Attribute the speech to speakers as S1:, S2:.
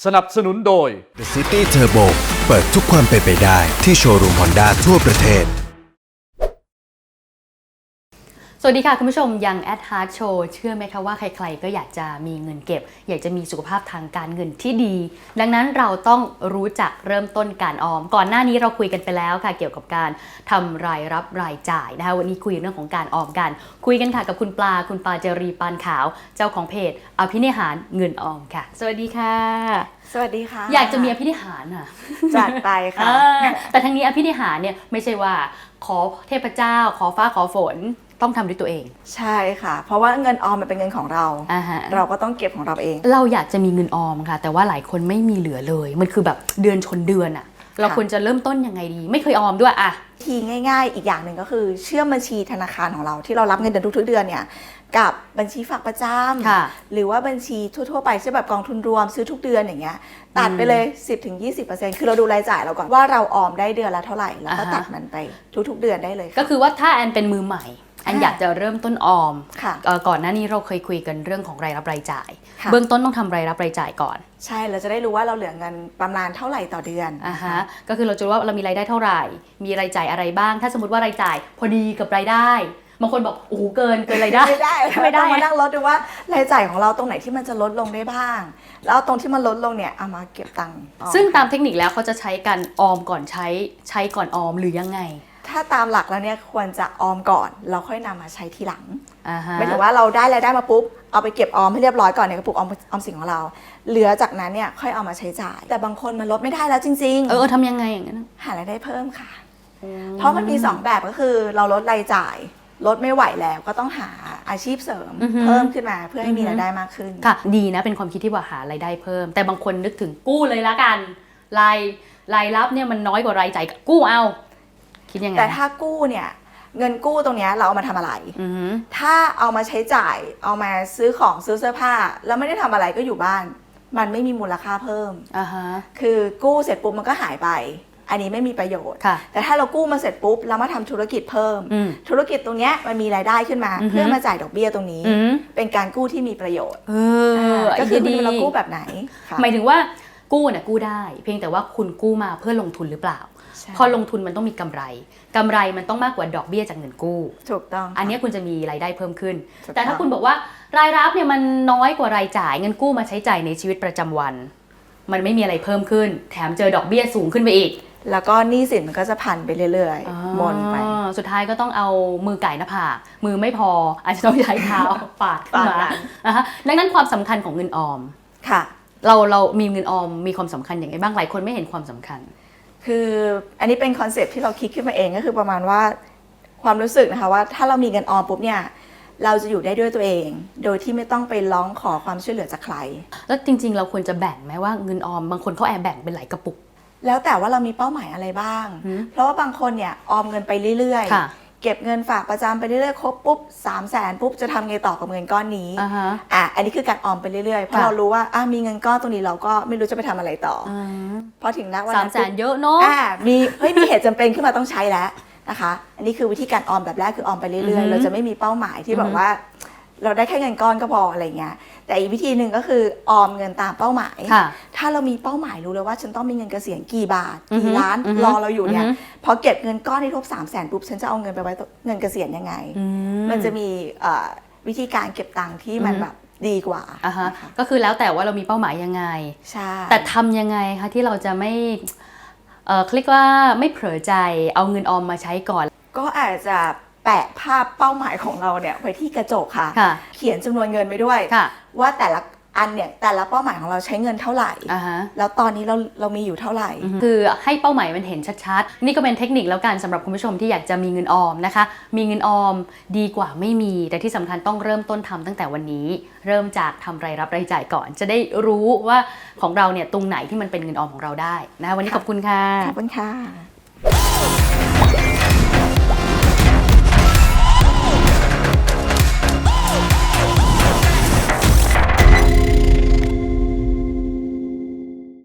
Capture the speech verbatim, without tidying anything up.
S1: สนับสนุนโดย
S2: The City Turbo เปิดทุกความเป็นไปได้ที่โชว์รูม Honda ทั่วประเทศ
S3: สวัสดีค่ะคุณผู้ชมยังแอดฮาร์ดโชว์เชื่อไหมคะว่าใครๆก็อยากจะมีเงินเก็บอยากจะมีสุขภาพทางการเงินที่ดีดังนั้นเราต้องรู้จักเริ่มต้นการออมก่อนหน้านี้เราคุยกันไปแล้วค่ะเกี่ยวกับการทำรายรับรายจ่ายนะคะวันนี้คุยเรื่องของการออมกันคุยกันค่ะกับคุณปลาคุณปลาเจรีปานขาวเจ้าของเพจอภินิหารเงินออมค่ะสวัสดีค่ะ
S4: สวัสดีค่ะ
S3: อยากจะมีอภินิหารอ่ะ
S4: จัดไปค่ะ
S3: แต่ทั้งนี้อภินิหารเนี่ยไม่ใช่ว่าขอเทพเจ้าขอฟ้าขอฝนต้องทำด้วยตัวเอง
S4: ใช่ค่ะเพราะว่าเงินออมมันเป็นเงินของเรา
S3: uh-huh.
S4: เราก็ต้องเก็บของเราเอง
S3: เราอยากจะมีเงินออมค่ะแต่ว่าหลายคนไม่มีเหลือเลยมันคือแบบเดือนชนเดือนอะเราควรจะเริ่มต้นยังไงดีไม่เคยออมด้วยอะ
S4: ทีง่ายๆอีกอย่างหนึ่งก็คือเชื่อมบัญชีธนาคารของเราที่เรารับเงินเดือนทุกๆเดือนเนี่ยกับบัญชีฝากประจำหรือว่าบัญชีทั่วๆไปเช่นแบบกองทุนรวมซื้อทุกเดือนอย่างเงี้ยตัดไปเลย สิบถึงยี่สิบเปอร์เซ็นต์ คือเราดูรายจ่ายเราก่อนว่าเราออมได้เดือนละเท่าไหร่แล้วก็ตัดมันไปทุกๆเดือนได้เลย
S3: ก็คือว่าถ้าแอนเป็นมือใหม่อันอยากจะเริ่มต้นออม
S4: ค่ะ
S3: ก่อนหน้านี้เราเคยคุยกันเรื่องของรายรับรายจ่ายเบื้องต้นต้องทำรายรับรายจ่ายก่อน
S4: ใช่เราจะได้รู้ว่าเราเหลือเงินประมาณเท่าไหร่ต่อเดือน
S3: อ่าฮะก็คือเราจะรู้ว่าเรามีรายได้เท่าไหร่มีรายจ่ายอะไรบ้างถ้าสมมติว่ารายจ่ายพอดีกับรายได้บางคนบอกโอ้โหเกินเกินรายได้
S4: ไม่ได้ไม่ได้มานั่งลดดูว่ารายจ่ายของเราตรงไหนที่มันจะลดลงได้บ้างแล้วตรงที่มันลดลงเนี่ยเอามาเก็บตังค์
S3: ซึ่งตามเทคนิคแล้วเขาจะใช้การออมก่อนใช้ใช้ก่อนออมหรือยังไง
S4: ถ้าตามหลักแล้วเนี่ยควรจะออมก่อนเราค่อยนำมาใช้ทีหลัง
S3: uh-huh.
S4: ไม่ถึงว่าเราได้รายได้มาปุ๊บเอาไปเก็บออมให้เรียบร้อยก่อนในกระปุกออมออมสินของเราเหลือจากนั้นเนี่ยค่อยเอามาใช้จ่ายแต่บางคนมันลดไม่ได้แล้วจริงๆ
S3: เออทำยังไงอย่างนั้น
S4: หารายได้เพิ่มค่ะเพราะมันมีสองแบบก็คือเราลดรายจ่ายลดไม่ไหวแล้วก็ต้องหาอาชีพเสริม uh-huh. เพิ่มขึ้นมาเพื่อให้มีรายได้มากขึ้น
S3: ค่ะดีนะเป็นความคิดที่ว่าหารายได้เพิ่มแต่บางคนนึกถึงกู้เลยละกันรายรายรับเนี่ยมันน้อยกว่ารายจ่ายกู้เอาคิดยังไง
S4: แต่ถ้ากู้เนี่ยเงินกู้ตรงนี้เราเอามาทำอะไร
S3: uh-huh.
S4: ถ้าเอามาใช้จ่ายเอามาซื้อของซื้อเสื้อผ้าแล้วไม่ได้ทำอะไรก็อยู่บ้านมันไม่มีมูลค่าเพิ่ม
S3: uh-huh.
S4: คือกู้เสร็จปุ๊บมันก็หายไปอันนี้ไม่มีประโยชน์แต่ถ้าเรากู้มาเสร็จปุ๊บแล้วมาทำธุรกิจเพิ่มธุรกิจตรงนี้มันมีรายได้ขึ้นมา
S3: uh-huh.
S4: เพื่อมาจ่ายดอกเบี้ยตรงนี้
S3: uh-huh.
S4: เป็นการกู้ที่มีประโยชน์
S3: ก็
S4: คือเรากู้แบบไหน
S3: หมายถึงว่ากู้เนี่ยกู้ได้เพียงแต่ว่าคุณกู้มาเพื่อลงทุนหรือเปล่าพอลงทุนมันต้องมีกำไรกำไรมันต้องมากกว่าดอกเบี้ยจากเงินกู้
S4: ถูกต้อง
S3: อันนี้คุณจะมีรายได้เพิ่มขึ้นแต่ถ้าคุณบอกว่ารายรับเนี่ยมันน้อยกว่ารายจ่ายเงินกู้มาใช้จ่ายในชีวิตประจำวันมันไม่มีอะไรเพิ่มขึ้นแถมเจอดอกเบี้ยสูงขึ้นไปอีก
S4: แล้วก็หนี้สินมันก็จะพันไปเรื่อยๆมนไป
S3: สุดท้ายก็ต้องเอามือไก่หน้าผากมือไม่พออาจจะต้องใช้เท้าปาดขึ้นมาดังนั้นความสำคัญของเงินออม
S4: ค่ะ
S3: เราเรามีเงินออมมีความสำคัญอย่างไรบ้างหลายคนไม่เห็นความสำคัญ
S4: คืออันนี้เป็นคอนเซปต์ที่เราคิดขึ้นมาเองก็คือประมาณว่าความรู้สึกนะคะว่าถ้าเรามีเงินออมปุ๊บเนี่ยเราจะอยู่ได้ด้วยตัวเองโดยที่ไม่ต้องไปร้องขอความช่วยเหลือจากใคร
S3: แล้วจริงๆเราควรจะแบ่งไหมว่าเงินออมบางคนเขาแอบแบ่งเป็นหลายกระปุก
S4: แล้วแต่ว่าเรามีเป้าหมายอะไรบ้างเพราะว่าบางคนเนี่ยออมเงินไปเรื่อยๆเก็บเงินฝากประจำไปเรื่อยๆครบปุ๊บสามแสนปุ๊บจะทำไงต่อกับเงินก้อนนี้
S3: uh-huh.
S4: อ่ะอันนี้คือการออมไปเรื่อยๆเพราะเรารู้ว่าอ่ะมีเงินก้อนตรงนี้เราก็ไม่รู้จะไปทำอะไรต่อ
S3: uh-huh.
S4: พอถึงนักวัน
S3: สามแสนเยอะเนาะ
S4: อ่ะมีเฮ้ยมีเหตุจำเป็นขึ้นมาต้องใช้แล้วนะคะอันนี้คือวิธีการออมแบบแรกคือออมไปเรื่อยๆ uh-huh. เราจะไม่มีเป้าหมายที่แบบว่าเราได้แค่เงินก้อนก็พออะไรเงี้ยแต่อีกวิธีหนึ่งก็คือออมเงินตามเป้าหมายถ้าเรามีเป้าหมายรู้เลยว่าฉันต้องมีเงินเกษียณกี่บาทกี่ล้านรอเราอยู่เนี่ยพอเก็บเงินก้อนที่ครบสามแสนปุ๊บฉันจะเอาเงินไปไว้เงินเกษียณยังไงมันจะมีวิธีการเก็บตังค์ที่มันแบบดีกว่า
S3: ก็คือแล้วแต่ว่าเรามีเป้าหมายยังไง
S4: ใช่
S3: แต่ทำยังไงคะที่เราจะไม่เอ่อเรียกว่าไม่เผลอใจเอาเงินออมมาใช้ก่อน
S4: ก็อาจจะแปะภาพเป้าหมายของเราเนี่ยไว้ที่กระจกค่ะเขียนจำนวนเงินไปด้วยว่าแต่ละอันเนี่ยแต่ละเป้าหมายของเราใช้เงินเท่าไหร่
S3: uh-huh.
S4: แล้วตอนนี้เราเรามีอยู่เท่าไหร่
S3: uh-huh. คือให้เป้าหมายมันเห็นชัดๆนี่ก็เป็นเทคนิคแล้วกันสำหรับคุณผู้ชมที่อยากจะมีเงินออมนะคะมีเงินออมดีกว่าไม่มีแต่ที่สำคัญต้องเริ่มต้นทำตั้งแต่วันนี้เริ่มจากทำรายรับรายจ่ายก่อนจะได้รู้ว่าของเราเนี่ยตรงไหนที่มันเป็นเงินออมของเราได้นะคะวันนี้ขอบคุณค่ะ
S4: ขอบคุณค่ะ